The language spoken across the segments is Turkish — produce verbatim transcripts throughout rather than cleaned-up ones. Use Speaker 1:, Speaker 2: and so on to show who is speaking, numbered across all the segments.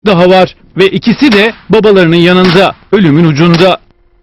Speaker 1: daha var ve ikisi de babalarının yanında, ölümün ucunda.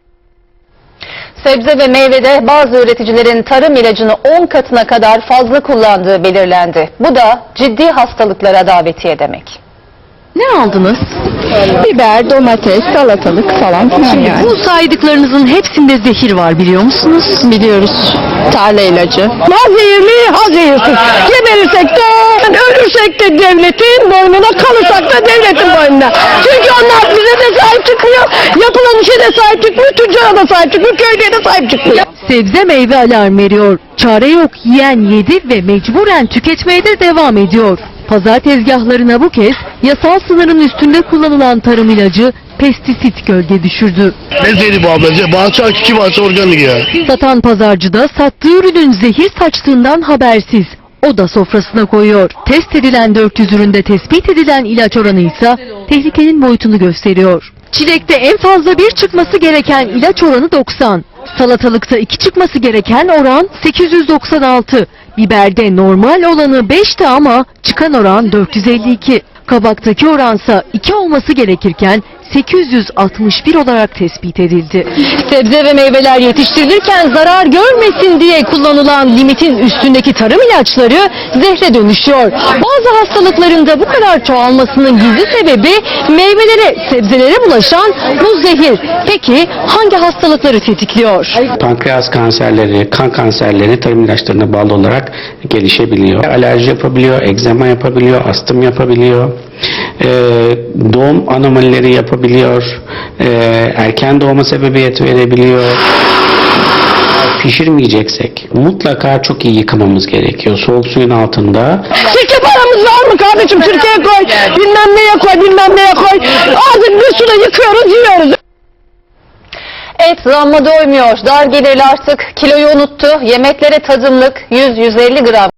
Speaker 2: Sebze ve meyvede bazı üreticilerin tarım ilacını on katına kadar fazla kullandığı belirlendi. Bu da ciddi hastalıklara davetiye demek.
Speaker 3: Ne aldınız?
Speaker 4: Biber, domates, salatalık falan filan yani.
Speaker 3: Bu saydıklarınızın hepsinde zehir var, biliyor musunuz?
Speaker 4: Biliyoruz. Tarla ilacı. Ha zehirli, ha zehirsiz. Geberirsek de, ölürsek de devletin boynuna, kalırsak da devletin boynuna. Çünkü onlar bize de sahip çıkmıyor. Yapılan işe de sahip çıkmıyor, tüccara da sahip çıkmıyor, köylüye de sahip çıkmıyor.
Speaker 3: Sebze meyve alarm veriyor. Çare yok, yiyen yedi ve mecburen tüketmeye de devam ediyor. Pazar tezgahlarına bu kez yasal sınırın üstünde kullanılan tarım ilacı pestisit gölge düşürdü.
Speaker 5: Ne zehri bu ablacığım? Bahçe iki bahçe organik ya.
Speaker 3: Satan pazarcı da sattığı ürünün zehir saçtığından habersiz. O da sofrasına koyuyor. Test edilen dört yüz üründe tespit edilen ilaç oranı ise tehlikenin boyutunu gösteriyor. Çilekte en fazla bir çıkması gereken ilaç oranı doksan. Salatalıkta iki çıkması gereken oran sekiz yüz doksan altı. Biberde normal olanı beşti ama çıkan oran dört yüz elli iki. Kabaktaki oransa iki olması gerekirken sekiz yüz altmış bir olarak tespit edildi. Sebze ve meyveler yetiştirilirken zarar görmesin diye kullanılan limitin üstündeki tarım ilaçları zehre dönüşüyor. Bazı hastalıkların da bu kadar çoğalmasının gizli sebebi meyvelere, sebzelere bulaşan bu zehir. Peki hangi hastalıkları tetikliyor?
Speaker 6: Pankreas kanserleri, kan kanserleri tarım ilaçlarına bağlı olarak gelişebiliyor. Alerji yapabiliyor, egzama yapabiliyor, astım yapabiliyor. Ee, doğum anomalileri yapabiliyor, ee, erken doğuma sebebiyet verebiliyor. Pişirmeyeceksek mutlaka çok iyi yıkamamız gerekiyor. Soğuk suyun altında.
Speaker 4: Sirke paramız var mı kardeşim? Sirkeye koy, bilmem neye koy, bilmem neye koy. Azıcık bir suda yıkıyoruz, yiyoruz.
Speaker 2: Et zamma doymuyor. Dar gelirli artık kiloyu unuttu. Yemeklere tadımlık yüz yüz elli gram